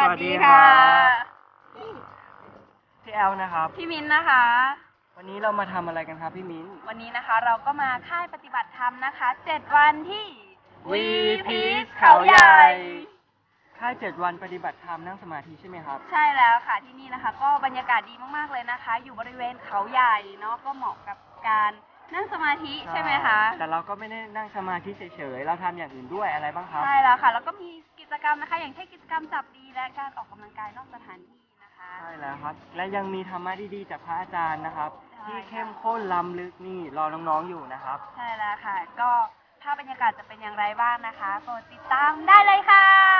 วัสดีค่ะพี่แอลนะครับพี่มิ้นนะคะวันนี้เรามาทำอะไรกันครับพี่มิ้นวันนี้นะคะเราก็มาค่ายปฏิบัติธรรมนะคะ7 วันที่ We Peace เขาใหญ่ค่าย7 วันปฏิบัติธรรมนั่งสมาธิใช่ไหมครับใช่แล้วค่ะที่นี่นะคะก็บรรยากาศดีมากๆเลยนะคะอยู่บริเวณเขาใหญ่เนาะก็เหมาะกับการนั่งสมาธิใช่ไหมคะแต่เราก็ไม่ได้นั่งสมาธิเฉยๆเราทำอย่างอื่นด้วยอะไรบ้างครับใช่แล้วค่ะแล้วก็มีกิจกรรมนะคะอย่างเช่นกิจกรรมจับดีและการออกกำลังกายนอกสถานที่นะคะใช่แล้วครับและยังมีธรรมะดีๆจากพระอาจารย์นะครับที่เข้มข้นล้ำลึกนี่รอน้องๆอยู่นะครับใช่แล้วค่ะก็ภาพบรรยากาศจะเป็นอย่างไรบ้างนะคะโปรดติดตามได้เลยค่ะ